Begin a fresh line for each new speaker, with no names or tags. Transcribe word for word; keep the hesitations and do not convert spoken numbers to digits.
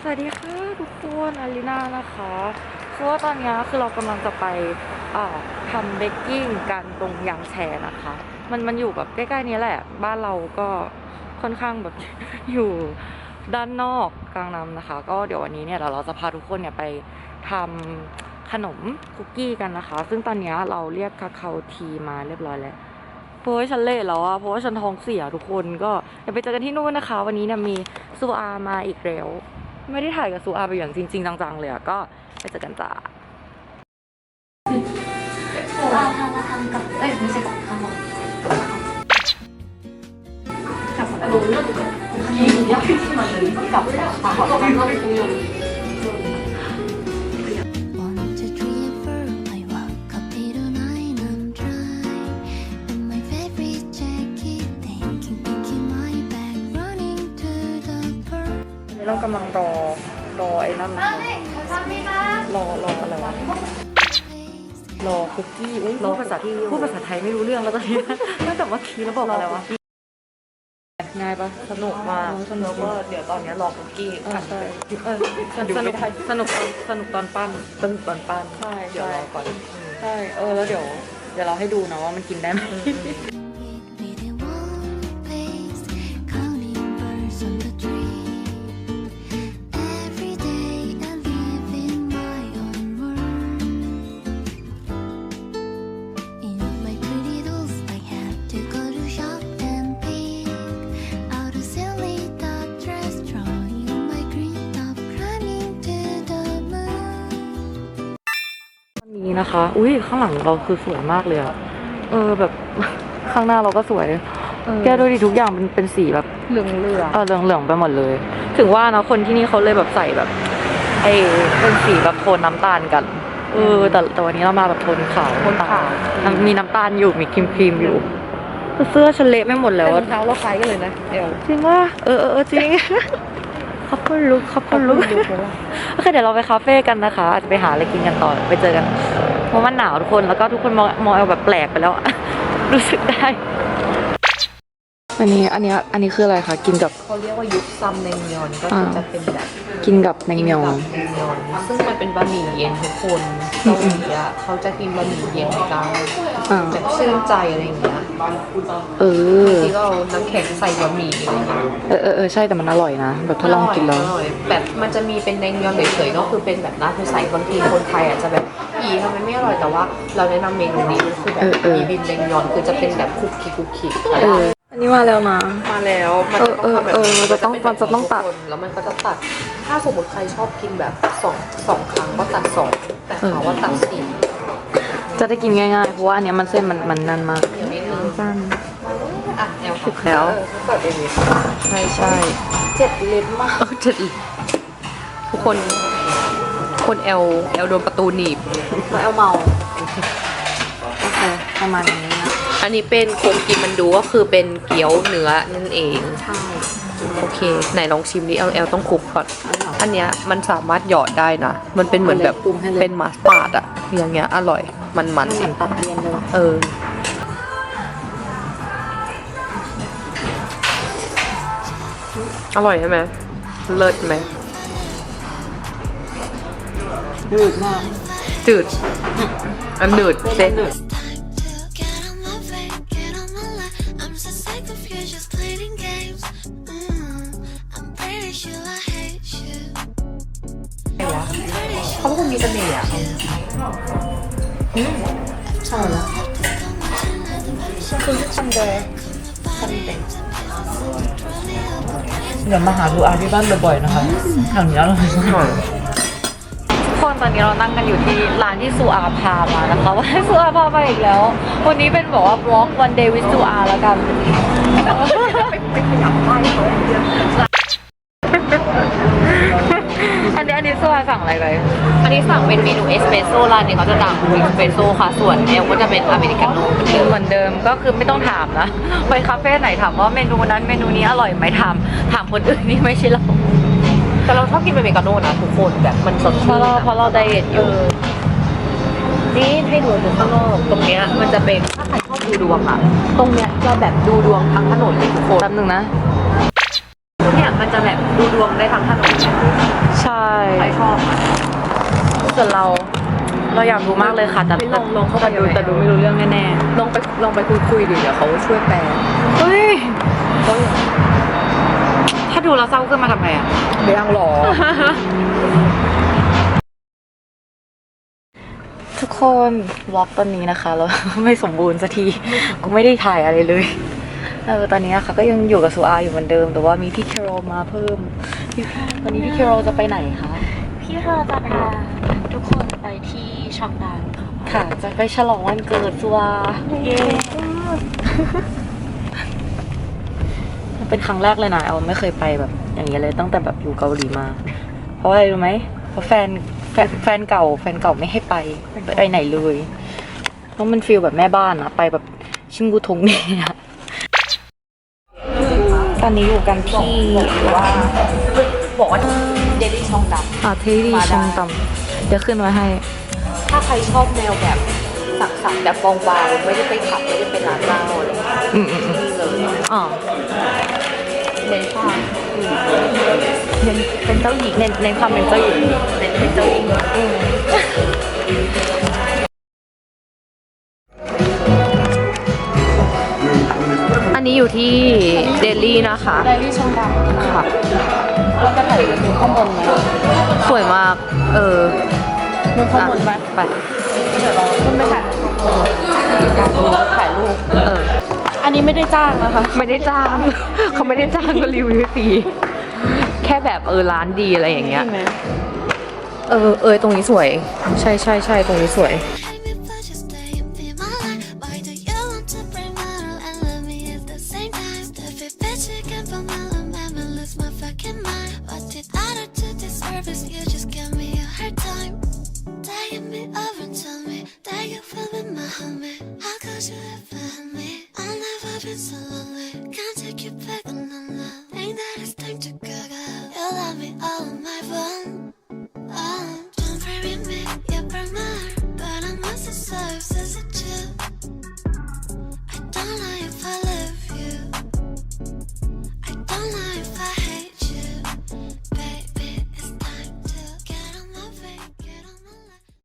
สวัสดีค่ะทุกคนอารีนานะคะคือว่าตอนนี้คือเรากำลังจะไปทำเบกกิ้งกันตรงยางแชร์นะคะมันมันอยู่แบบใกล้ๆนี้แหละบ้านเราก็ค่อนข้างแบบ อยู่ด้านนอกกลางน้ำนะคะก็เดี๋ยววันนี้เนี่ยเราจะพาทุกคนเนี่ยไปทำขนมคุกกี้กันนะคะซึ่งตอนนี้เราเรียกคาคาโอทีมาเรียบร้อยแล้วเพราะว่าฉันเละแล้วอะเพราะว่าฉันท้องเสียทุกคนก็เดี๋ยวไปเจอกันที่นู่นนะคะวันนี้เนี่ยมีซูอามาอีกแล้วไม่ได้ถ่ายกับซูอาไปอย่างจริงๆจังๆเลยอะก็ไปเจอกันจ้า
ซูอาทำมาทำกับเอ้ยไม่ใช่กับข้าวกับอะไรนี่ยักษ์ที่มันเลยกับปลาเขาต้องต้องคุย
เรากำลังรอรอไอ้นั่นนะคะรอรออะไรวะรอคุกกี้รอภาษาที่พูดภาษาไทยไม่รู้เรื่องแล้วตอนนี้ตั้งแต่เมื่อกี้แล้วบอกอะไรวะง่ายปะสนุกมากสนุกก็เดี๋ยวตอนนี้รอคุกกี้อ่ะใช่เออสนุกสนุกสนุกตอนปั้นสนุกตอนปั้นใช่เดี๋ยวรอก่อนใช่เออแล้วเดี๋ยวเดี๋ยวเราให้ดูนะว่ามันกินได้ไหมนี้นะคะอุ้ยข้างหลังเราคือสวยมากเลยอะเออแบบข้างหน้าเราก็สวยแกดูดิทุกอย่างเป็นเป็นสีแบบเหลืองเหลืองเออเหลืองเหลืองไปหมดเลยถึงว่านะคนที่นี่เขาเลยแบบใส่แบบไอเป็นสีแบบโทนน้ำตาลกันเออแต่แต่วันนี้เรามาแบบโทนขาวโทนขาวมีน้ำตาลอยู่มีครีมครีมอยู่เสื้อฉันเละไม่หมดแล้วรองเท้าเราคล้ายกันเลยนะเดี๋ยวจริงว่าเออเออจริงขอบคุณลุกขอบคุณลุกโอเคเดี๋ยวเราไปคาเฟ่กันนะคะอาจจะไปหาอะไรกินกันต่อไปเจอกันเพราะมันหนาวทุกคนแล้วก็ทุกคนมองมองแบบแปลกไปแล้วรู้สึกได้อันนี้อันนี้อันนี้คืออะไรคะกินกับ
เขาเรียกว่ายุคซัมเนงยอนก็คือจะเป็นแบบ
กินกับแนงยอง
ซึ่งมันเป็นบะหมี่เย็นทุกคนเกาหลีอ่ะเขาจะกินบะหมี่เย็นกันแบบชื่นใจอะไรอย่างเงี้ย
เออบาง
ทีก็เอาน้ำแข็งใส่บะหมี่อะไรเงี้ย
เออเออเออใช่แต่มันอร่อยนะแบบทดลองกินแล้ว
แบบมันจะมีเป็นแนงยอนเฉยๆก็คือเป็นแบบน้ำใสบางทีคนไทยอาจจะแบบอีทำไมไม่อร่อยแต่ว่าเราแนะนำเมนูนี้คือแบบมีบินแนงยอนคือจะเป็นแบบคุกกี้คุกกี้
อันนี้มาแล้วนะ
มาแล้วมันจะต้องแบบ
มันจะต้องมันจะต้องตัด
แล้วมันก็จะตัดถ้าสมมติใครชอบกินแบบสองสองครั้งก็ตัดสองแต่เขาว่าตัดสี่
จะได้กินง่ายๆเพราะว่าอันนี้มันเส้นมันมันนั่นมากสั้น
อ่ะแนว
ถึกแล้ว
เปิดเอง
ใช่ใช่
เจ็ดเล็บมาก
เจ็ด
ทุกคนคนเอลเอลโดนประตูหนีบ
แล้วเอลเมาโอเคประมาณนี้นะ
อันนี้เป็นโคงกินมันดูก็คือเป็นเกี๊ยวเนื้อนั่นเอง
ใช่
โอเคไหนลองชิมดิเอลเอลต้องคลุกก่อนอันเนี้ยมันสามารถหยอดได้นะมันเป็นเหมือนแบบเป็นมัสตาร์ดอะอย่างเงี้ยอร่อยมันมัน
สิตัดเรียนเลย
เอออร่อยใช่ไหมเลิศไหม
จืดมาก
จืดอันหนืดเส้นเขาเป็นคนมีเสน่ห์อ่ะ
อืมใช่แล้วคือทำเดย์ทำเดย์เดี๋ยวมาหาดูอาที่บ้านบ่อยๆนะคะอย่างนี้อร่อยมากทุกคนตอนนี้เรานั่งกันอยู่ที่ร้านที่ซูอาพามานะคะว่าซูอาพาไปอีกแล้ววันนี้เป็นบอกว่า vlog one day with ซูอาแล้วกันไปขยับไปเขาอย่างเดียวอันนี้อันนี้ซูอาสั่งอะไรไป
อันนี้สั่งเป็นเมนูเอสเปรสโซ่ร้านนี้เขาจะดังเอสเปรสโซ่ค่ะส่วนเอลก็จะเป็นอเมริกาโน่
เหมือนเดิมก็คือไม่ต้องถามนะไปคาเฟ่ไหนถามว่าเมนูนั้นเมนูนี้อร่อยไหมถามถามคนอื่นนี่ไม่ใช่เรา
แต่เราชอบกินอเมริกาโน่นะทุกคนแบบมันสดชื่น
เพราะเราเพราะเราไดเอทอยู่
นี่ให้ดูตรงข้างนอกตรงเนี้ยมันจะเป็นถ้าใครชอบดูดวงอะตรงเนี้ยจะแบบดูดวงทั้งถนนเลยทุกคน
แป๊บนึงนะ
เนี่ยมันจะแบบดูดวงได้ทั้งถนน
ใส่วนเรา เราอยากรู้มากเลยค่ะแต่
ลองลองเข้าไป
แต่ดูแต่ดูไม่รู้เรื่องแน่
ลองไปลองไปคุยคุยดิเดี๋ยวเขาช่วยแปล
ๆเฮ้ยถ้าดูแล้วเศร้าขึ้นมาทำไงอะ
ไม่ยังหรอ
ทุกคนวอล์กตอนนี้นะคะเรา ไม่สมบูรณ์สักทีกูไม่ได้ถ่ายอะไรเลยเออตอนนี้ค่ะก็ยังอยู่กับซูอาอยู่เหมือนเดิมแต่ว่ามีพี่เคโรมาเพิ่มพี่วันนี้พี่เคโรจะไปไหนคะ
พี่เราจะพาทุกคนไปที่ช็อกดาวค่ะ
ค่ะจะไปฉลองวันเกิดซูอา
เย้
มันเป็นครั้งแรกเลยนะเอาไม่เคยไปแบบอย่างนี้เลยตั้งแต่แบบอยู่เกาหลีมา เพราะอะไรรู้ไหมเพราะแฟนแฟนแฟนเก่าแฟนเก่าไม่ให้ไปไปไหนเลยเพราะมันฟีลแบบแม่บ้านอะไปแบบชิมบูทงเนี่ยตอนนี้อยู่กันที่
ว่าบอกว่าเดลี่ช่องดำ
อ่าเทดีชงตำเดี๋ยวขึ้นไว้ให้
ถ้าใครชอบแนวแบบสักๆแบบบางๆไม่ได้ไปขับไม่ได้เป็นร้านเหล้าอะไรอย่างเงี้ย
อืมอืมอืม
นี่เลย
อ๋อ
เน้นความ
เน้นเป็นเจ้าหญิงเน้นเน้นความเป็นเจ้าหญิง
เน้นเป็นเจ้าหญิง
อืม
อันนี้อยู่ที่เดลี่นะคะ
ไดรี่ช็อกดาว
ค่ะ
เราจะถ่ายกันข้างบนไหม
สวยมาก เออ
มึงข้างบนไหม
ไป
เดี๋ยวเราขึ้นไปถ่ายถ่ายรูป
เออ
อันนี้ไม่ได้จ้างนะคะ
ไม่ได้จ้าง เขาไม่ได้จ้างก็รีวิวฟรีแค่แบบเออร้านดีอะไรอย่างเงี้ย
ใช่ไหม
เออเออตรงนี้สวย ใช่ใช่ใช่ตรงนี้สวย
Why do you want to bring my all and love me at the same time? The fit bitch again for my love, man, I lose my fucking mind. What did I do to deserve this? You just give me a hard time. Taking me over and tell me that you feel me, my homie. How could you have